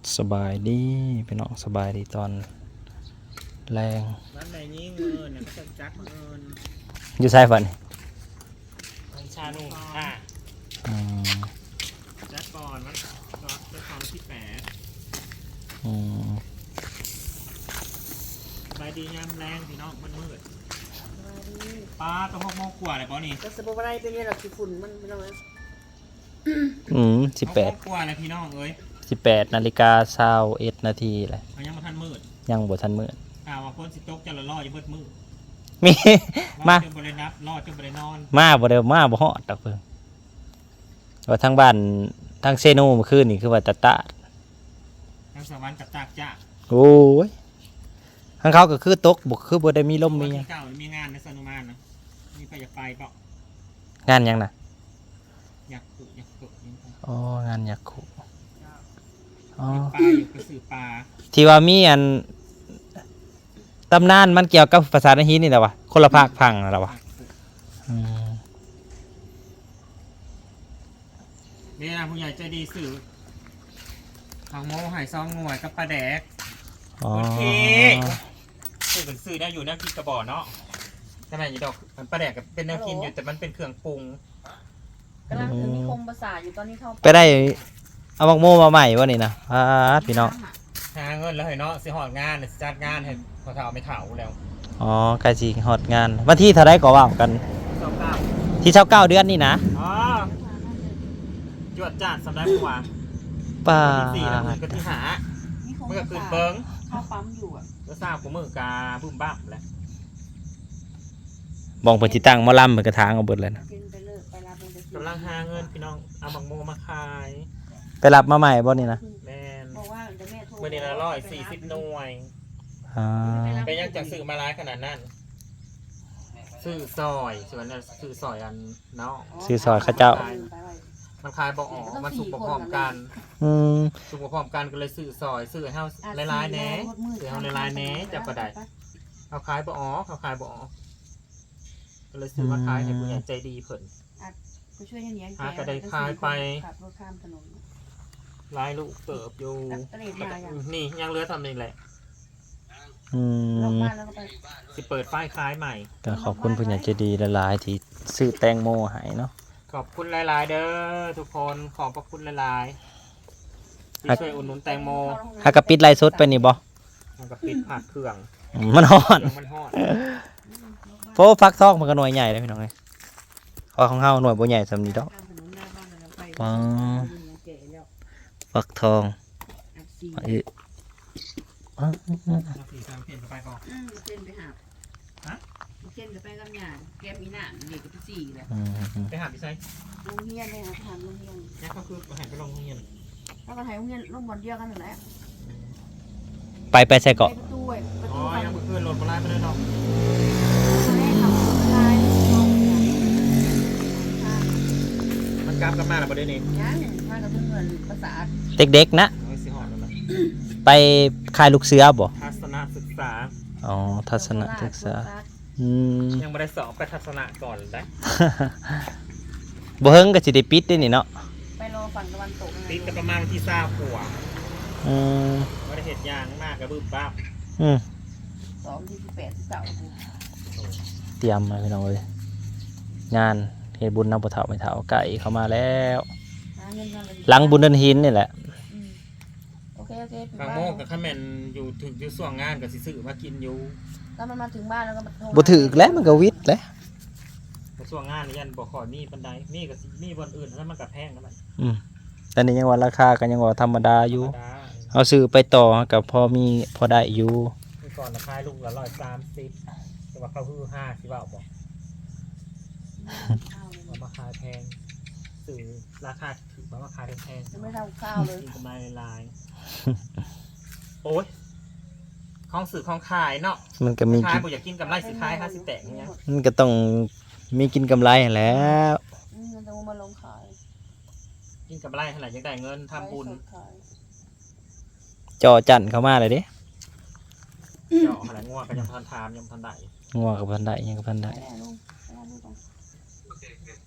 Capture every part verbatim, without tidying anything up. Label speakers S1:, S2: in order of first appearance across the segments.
S1: สบายดีพี่น้องสบายดีตอนแรง
S2: บ้านไหนยิ่งเงินเนี่ยก็จะจักเงิน
S1: อยู่ใช่ฝัน
S2: มันชาหนุ่มค่ะ
S1: อืม
S2: จักก่อนมันก็จะทำที่แปด
S1: อืม
S2: ใบดีงามแรงพี่น้องมันมืดป้าต้องหกโมงกว่าเลยป้อนี่
S3: ก็สมมติว่าอะไรเป็นเนี่ยหรอกคือฝุ่นมันไม่ต้องเลย
S1: อืมสิบแปด
S2: หกโมงกว่าเลยพี่น้องเอ้ย
S1: สิบแปดนาฬิกาเช้าเอ็ดนาทีเลย
S2: มันยังมาทันมืด
S1: ยังบ่ทันมืด
S2: ข่าวว่าคนสิตกจะละล่ออยู่เบิดมืด
S1: มีมา
S2: จนบรินับล่อจนบรินอน
S1: มาบ่เดียวมาบ่ฮอดดอกเพิ่งว่าทางบ้านทางเซโนเมื่อคืนนี่คือว่าตะตะ
S2: ทางสวรรค์กับจากจ้า
S1: โอ้ยทางเขาก็คือตกบ่คือบ่ได้มีลมมีหยัง
S2: เก่ามีงานในสนุมานนะมีไปอยากไปเปล่าง
S1: านหยังน่ะ
S2: อยากขุอยากขุอยากขุ
S1: อ๋องานยักขุอ๋อ
S2: ปลาอยู่กระสือปลา
S1: ที่ว่ามีอันตำนานมันเกี่ยวกับภาษาในฮีนี่แหละวะคนละภาคพังนั่นแหละวะอืม
S2: นี่นะผู้ใหญ่ใจดีสื่อของโมหายซองหน่วยกับปลาแดก
S1: อ๋อ
S2: โอเคสื่อเป็นสื่อได้อยู่แนวคิดกระบอกเนาะใช่ไหมยี่ดอกมันปลาแดกกับเป็นแนวคิดอยู่แต่มันเป็นเครื่องปรุง
S3: กำลังถึงนิคมภาษาอยู่ตอนนี้เข้า
S1: ไปได้เอามักโมมาใหม่วะนี่นะอ่าพี่น้อง
S2: หาเงินแล้วเห็นเนาะสิหอดงานสิจัดงานเห็นพอเท่าไม่เท่าแล้ว
S1: อ๋อใกล้สิฮอดงานวันที่เท่าไรก็ว่ากัน
S2: สองเก้า
S1: ที่เช้าเก้าเดือนนี่นะ
S2: อ๋อจวดจัดสำนักหัว
S1: ป้า
S2: ที่สี่แล้วมันก็ที่หาเมื่อคืนเบิ้ง
S3: เข้าปั๊มอยู่อ่ะ
S2: แล้วทราบกูมือกาบึ้มบ้ามแหละ
S1: บองเปิดที่ตั้งมอลำเหมือนกระถางเอาเบิดเลยนะ
S2: กำลังหาเงินพี่น้องเอาบังโมมาขาย
S1: ไปรับมาใหม่บ่นี่นะ
S2: แมน
S3: บอกว่าเดี๋ยวแม่โทร
S2: เมื่อนี้ละร้อยสี่สิบหน่วย
S1: อ่า
S2: เป็นยังจะซื้อมาร้ายขนาดนั้นซื้อซอยส่วนนั้นซื้อซอยอันเนาะ
S1: ซื้อซอยข้าเจ้า
S2: มันขายบอกอ๋อมันสุกพร้อมกัน
S1: อืม
S2: สุกพร้อมกันก็เลยซื้อซอยซื้อให้เฮาหลายๆแหน่ซื้อเฮาหลายๆแหน่จับก็ได้เขาขายบอกอ๋อเขาขายบอกอ๋อก็เลยซื้อมาขายให้ผู้ใหญ่ใจดีเพิ่น
S3: ก็ช่วยเนี้ย
S2: หาก็ได้ขายไป
S3: ขับรถข้ามถนน
S2: ลายลูกเติบอยู่นี่ยังเหลือทำนี่แหละ
S1: อืม
S2: สิเปิดป้ายขายใหม่
S1: ก็ขอบคุณผู้ใหญ่ใจดีหลายๆที่ซื้อแตงโมให้เนาะ
S2: ขอบคุณหลายๆเด้อทุกคนขอบพระคุณหลายๆที่ช่วยอุดหนุนแตงโม
S1: หากระปิดไลฟ์สดไปนี่บ่
S2: มันก็ปิดผักเครื่อง
S1: มันฮ้อน
S2: มันฮ้อน
S1: เพราะฟักทองมันก็หน่วยใหญ่เลยพี่น้องเอ้ยพอของเฮาหน่วยบ่ใหญ่สำนี้ดอกอ๋อฟักทองเอ้ยอ๋อ
S2: สีสามเปลี่ยนไปก่อน
S3: เส้นไปหาฮะเส้นไปกับหยาแก้มีหน้าเด็กกับสี่แหละ
S2: ไปหาพี่ไซ
S3: โรงเรียนเลยนะทำโรงเรียน
S2: นี่ก็คือไปหาไปโรงเรียน
S3: แล้วก็ถ่ายโรงเรียนโรงบอลเดียวกันนั่นแหละ
S1: ไปไปใส่เกาะ
S2: อ๋อยังเพื่อนรถมาไล่ไปเลยเนาะมันกลับกันมาแล้วประเด็นนี้
S3: ยังมากับเพื่อนภาษา
S1: เด็กๆนะไปค่ายลูกเสือบ่
S2: ทัศนศึกษา
S1: อ๋อทัศนศึกษาอืม
S2: ยังไม่ได้สอบไปทัศนะก่อนได้
S1: บ่เฮิงก็สิได้ปิดได้นี่เนาะ
S3: ไปรอฝั่งตะวันตก
S2: ปิดก็ประมาณที่เศร้าขัว
S1: อืม
S2: ไม่ได้เห็ดยางมากกระบึ้มบ้า
S1: อืม
S3: สองที่สิบแปดที่เก้า
S1: เตรียมมาพี่น้องเอ้ยงานเฮ็ดบุญนำบ่เฒ่าไม่เฒ่าไก่เข้ามาแล้วหลังบุญเดินหินนี่แหละ
S3: โอเคโอเค
S2: บางโมกกับข้าแมนอยู่ถึงอยู่ส่วงงานกับสิซื้อมากินอยู่
S3: แล้วมันมาถึงบ้านแล้วก็
S1: บ่ถึกแล้วมันก็วิทย์แล้ว
S2: ส่วงงานนี่ยันบ่ขอมีปันไดมีกับมีวันอื่นแล้วมันกับแพงแล้วมัน
S1: อืมแต่นี่ยังว่าราคาก็ยังว่าธรรมดาอยู่เอาซื้อไปต่อกับพอมีพอได้อยู่
S2: คือก่อนราคาลูกละร้อยสามสิบแต่ว่าเขาคือห้าสิบาทบอกมามาขายแพงสื่อราคาถือว่าขายแพง
S3: จะไม่ทำข้าวเลย
S2: กำไรลายโอ้ยของสื่อของขายเนาะ
S1: มันก็มี
S2: ขายบ่อยากกินกำไรสิขายค่าสิแตกเนี้ย
S1: มันก็ต้องมีกินกำไรแล้ว
S3: มันจะมาลงขาย
S2: กินกำไรเท่าไหร่ยังได้เงินทำบุญ
S1: จอจันเข้ามาเลยดิ
S2: จออะไรงัวก็ยังทันทามยังทันได้
S1: งัวกับพันได้ยังกับพันได้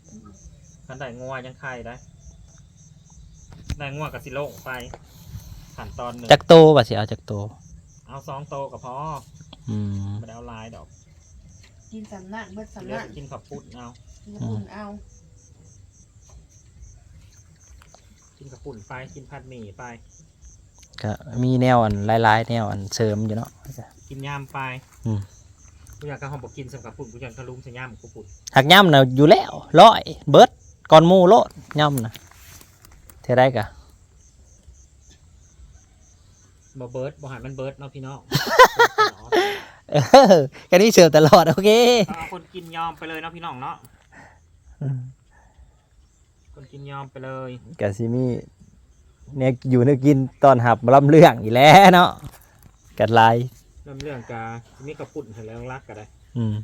S2: ทันได้งัวยังไข่ได้ได้งัวกับสิโลไปขั้นตอนหนึ่ง
S1: จักโตบ่สิเอาจักโต
S2: เอาสองโตกับพอ
S1: อืม
S2: ไม่ได้เอาลายดอก
S3: กินสำนักเบิดสำ
S2: เลือ
S3: นั
S2: ก
S3: ก
S2: กินขับปุ้นเอา
S3: กินกระปุ่นเอา
S2: กินขับปุ่นไปกินผัดหมี่ไป
S1: ก็มีแนวอันหลายๆแนวอันเสริมอยู่เนาะ
S2: กินยำไป
S1: อืม
S2: กูอยากกระหอมบอกกินสำกับปุ่นกูอยากกระลุมใส่ยำกูปุ่น
S1: หักย่ำน่ะอยู่แล้วร้อยเบิดก่อนหมู่โลดย่ำน่ะเท่าได้กะ
S2: บ่เบิร์ดบ่หันมันเบิร์ดเนาะพี่น้อง
S1: เออแค่นี้เสิร์ฟตลอดโอเค
S2: เอาคนกินยอมไปเลยเนาะพี่น้องเนาะคนกินยอมไปเลย
S1: กะซิมีเนี่ยอยู่นึกกินตอนหับลำเรื่องอีกแล้วเนาะกัดลาย
S2: เริ่มเรื่องกามีขับปุ่นเห็นแล้วรักกันได้
S1: อืม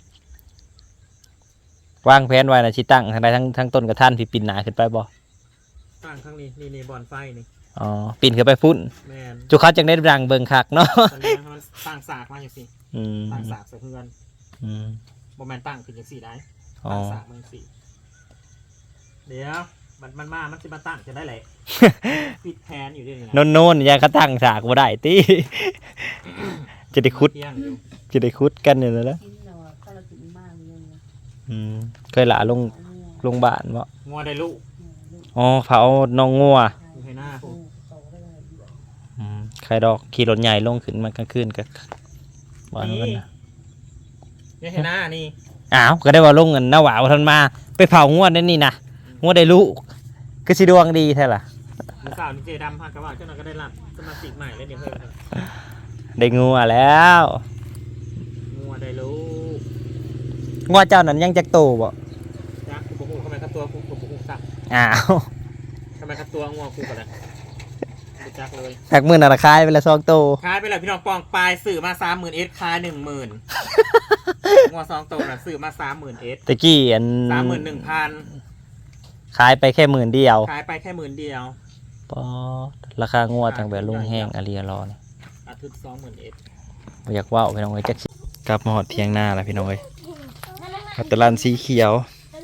S1: วางแผนไว้นะชิตั้งทางใดทั้งทั้งต้นกระท่านพี่ปิ่นหนาขึ้นไปบ่
S2: ตั้งข้างนี้นี่นี่บอลไฟนี่
S1: อ๋อปิ่นขึ้นไปฟุ้น
S2: แมน
S1: จุเขาจังได้ดังเบิ่งคักเนาะ
S2: ตอนนี้มันตั้งสากมาอย่างสิ
S1: อืม
S2: ตั้งสากใส่เพื่อน
S1: อืม
S2: โมแมนตั้งขึ้นอย่างสี่ได้
S1: อ๋อ
S2: ตั้งสากมันสี่เดี๋ยวมันมันมามันจะมาตั้งจะได้แหละ ปิดแผนอยู่ด้วยนี่
S1: โน่นโน่นๆอยังเขาตั้งฉากบ่ได้ติ จะได้คุด
S2: เที่ยงอยู่
S1: จะได้คุดกันอยู่แล้วนะ
S3: กินเราก็เรากินมากเลยนะ
S1: อืมเคยหลาลงลงบ้านบ่
S2: งัวได้ลูก
S1: อ๋อเผาน้องงัว
S2: อยู่ให้หน้าผม
S1: อืมใครดอกขี่รถใหญ่ลงขึ้นมากลางคืนก็บ่อนกันนะ
S2: นี่ให้หน้านี่
S1: อ้าวก็ได้ว่าลงเงินหน้าหวาวทันมา ไปเผางวดนั่นนี่นะงวดได้ลูกก็สิดวงดีแท้ล่ะ
S2: มือสาวนี่เจดำพากระบะเจ้าหน้าก็ได้รับสมาชิกใหม่แล้วเดี๋ยวเพิ่ม
S1: ได้งัวแล้ว
S2: งัวได้ลูก
S1: งัวเจ้านั้นยังจักโตบ่
S2: จักกูบอกทำไมครับตัวกูกูบอกสัก
S1: อ้าว
S2: ทำไมครับตัวงัวกูกันเลยกูจักเลย
S1: จากมื่นน่ะราคายไปละสองโต
S2: ขายไปเลยพี่น้องปองปลายสื่อมาสามหมื่นเอสขายหนึ่งหมื่นงัวสองตัวน่ะสื่อมาสามหมื่นเอส
S1: ตะกี้อัน
S2: สามหมื่นหนึ่งพัน
S1: ขายไปแค่หมื่นเดียว
S2: ขายไปแค่หมื่นเดียว
S1: ปอดราคางัวตั้งแต่ลุงแห้งอาเรียรอนี่
S2: อาทิตย์สองหมื่นเอส
S1: บ่อยากว่าวพี่น้องเอ้ยจักสิกลับมาหอดเพียงหน้าแล้วพี่น้องเอ้ยอัตลันสีเขียว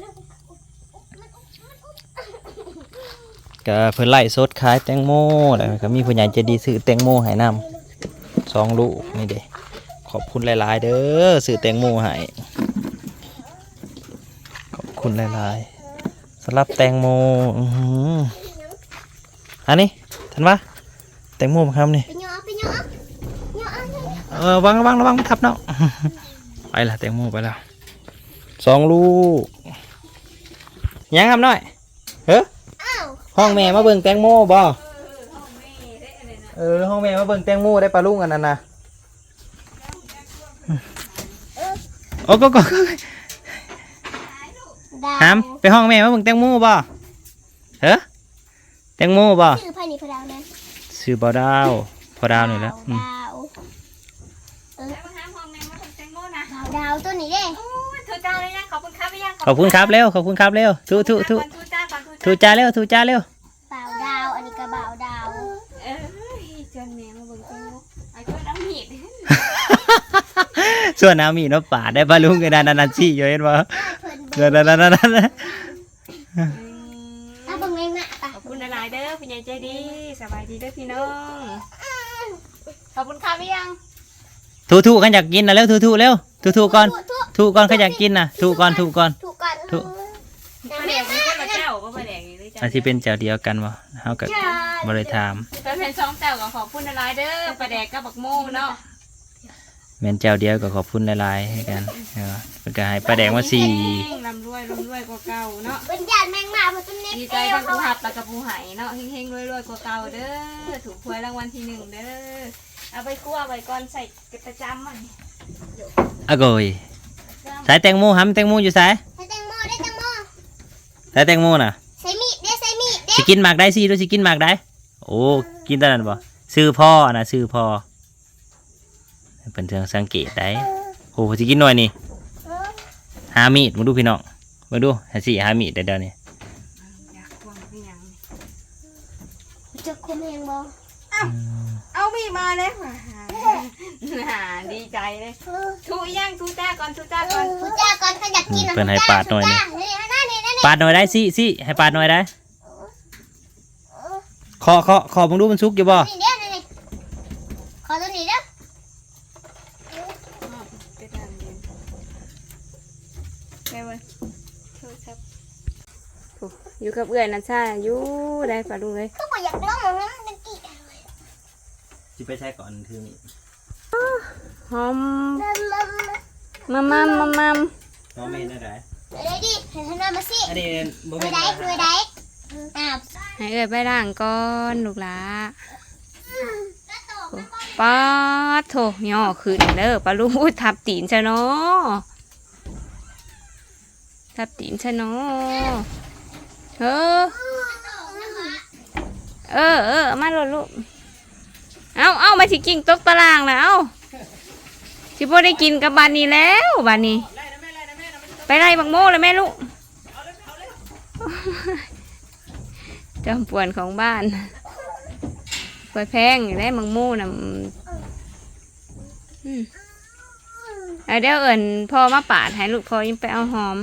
S1: ก็เพิ่นไล่สดขายแตงโมแล้วก็มีผู้ใหญ่ใจดีซื้อแตงโมให้นำสองลูกนี่เด้ขอบคุณหลายๆเด้อซื้อแตงโมให้ขอบคุณหลายๆสำหรับแตงโมอื้อหืออันนี้ทันปะแตงโมมาครับนี่
S4: ไปย่อไปย่อ
S1: เออวางระวังระวังมันทับเนาะ ไปละแตงโมไปแล้วสองลูกยังครับน้อยเฮ้อ
S4: อ้าว
S1: ห้องแม่มาเบิ่งแตงโมบ่เออห้องแม่มาเบิ่งแตงโมได้ปลาลุงอันนั้นนะโอ้ก็ก็
S4: ดาว
S1: หามไปห้องแม่มาเบิ่งแตงโมบ่เฮ้อแตงโมบ่
S4: ชื่อพานิพดาวนะ
S1: ชื่อบ่ดาวพอดาวนี่แหล้ว
S4: ดาวเออ
S3: มาหาห้องแม่มาทำแตงโมนะ
S4: ดาวดาวตัวนี้เด้
S3: โอ้ยถูจ้าเลยยังขอบคุณครับยัง
S1: ขอบคุณครับเร็วขอบคุณครับเร็วทุทุทุ
S3: ถูจ้าก่อน
S1: ทุจ้าเร็วทุจ้าเร็ว
S4: บ่าวดาวอันนี้ก็บ่าวดาว
S3: เออจนแม่มาเบิ่งแตงโมไอ้เพื่อนเอามีด
S1: ส่วนน้ำมีนปาดได้ปลาลุงกันนั่นนั่นซี่อยู่เห็นบ่
S4: เพิ่น
S1: นั่นนั่นนั่นนั่น
S4: ถ้าเบิ่งแม่งนะไป
S3: ขอบคุณหลายๆเด้อพี่ใหญ่ใจดีสบายดีเด้อพี่น้องขอบคุณครับยัง
S1: ทุทุขันอยากกินนะเร็วทุทุเร็วทุทุก่อนทุก่อนขันอยากกินนะทุก่อนทุก่อน
S4: ถูกก่อน
S1: ถูก
S4: น้ำ
S3: แด
S4: แม่
S3: งมีคนละเจ้าก็มาแดงอยู่ด้วยจ้ะ
S1: อันที่เป็นเจ้าเดียวกันบ่เฮาก็บ่ได้ถาม
S3: ถ้าเป็นสองเจ้าก็ขอบคุณหลายๆเด้อปลาแดกกับบักโมเนาะ
S1: แม่นเจ้าเดียวก็ขอบคุณหลายๆให้กันเออเพิ่นก็ให้ปลาแดงมาสี่
S3: ลำรวยลำรวยกว่าเก่าเนาะ
S4: เป็นญาติแมงมาเพิ่นเป็นเน็ต
S3: ดี
S4: เอ
S3: ใจ
S4: ว
S3: ทั้ง
S4: เขา
S3: ผู้หับแล้วกับผู้ใหายเนาะเฮงๆรวยๆกว่าเก่าเด้อถูกหวยรางวัลที่หนึ่งเด้อเอาไปคั่วไว้ก่อนใส่กระประจำมัน
S1: อะโกยสายแตงโมหำแตงโมอยู่สาย
S4: ให้แตงโมได้แตงโม
S1: สายแตงโมน่ะ
S4: ใส่มีดเด้ใส่มีดเด้
S1: สิกินหมากได้สิดูสิกินหมากได้โอ้กินตอนนั้นบ่ซื้อพ่อนะซื้อพ่อเพิ่นเทิงสังเกตได้โอ้สิกินหน่อยนี่หามีดมาดูพี่น้องมาดูหาสิหามีดได้เดี๋ยวนี้
S3: อยากควงเป็นหยัง
S4: จะคุมแหงบ่
S3: เอามีมาเลยหาดีใจเลยทูย่างทูจ้าก่อนทูจ้าก่อน
S4: ถูจ้าก่อนเขาอยากกิน
S1: เพิ่นให้ปาดหน่อยนี่
S4: นี่นั่นนี่นั่นนี่
S1: ปาดหน่อยได้สิสิให้ปาดหน่อยได้ขอขอขอมึงดูมันสุกอยู่บ่
S4: นี่เด้อนี่ขอตัวนี้เด้อ
S3: ไปทางเดินไปเว้ยโทรศัพท์โอ้อยู่กับเอื้อยนะช่าอยู่ได้ปะลุงเลย
S4: ก็บ่อยากลองมันมันกี่
S1: สิไปใช้ก่อนถือมีด
S3: หอม
S4: มัมมัม
S3: มัมมัมมัมมัม
S1: น้องไม่เห็นได้
S4: เดี๋ยวดิให้ท่านมาสิ
S1: อันนี้บ่
S4: มื
S1: แม่
S4: อน ใดมือใดอ้าว
S3: ให้เอื้อยไปล้างก่อนลูกหลาป้าดโถย่อขึ้นเด้อปะลุงอุ้ยทับตีนซะเนาะทับตีนซะเนาะเออเออเออเอามาโลดลูกเอาเอามาสิกิ่งตกตารางแล้วเอาสิบ่ได้กินกับบานนี้แล้วบานนี้ ไปไล่บักโม่เลยแม่ลูกจอมป่วนของบ้านไปแพงอยู่ได้บักโม่น่ะอืมเอาเดี๋ยวเอิญพ่อมาปาดให้ลูกพ่อยิ่งไปเอาหอม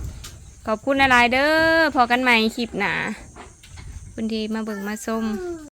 S3: ขอบคุณหลายๆเด้อพอกันใหม่คลิปหนาคุณที่มาเบิ่งมาส้ม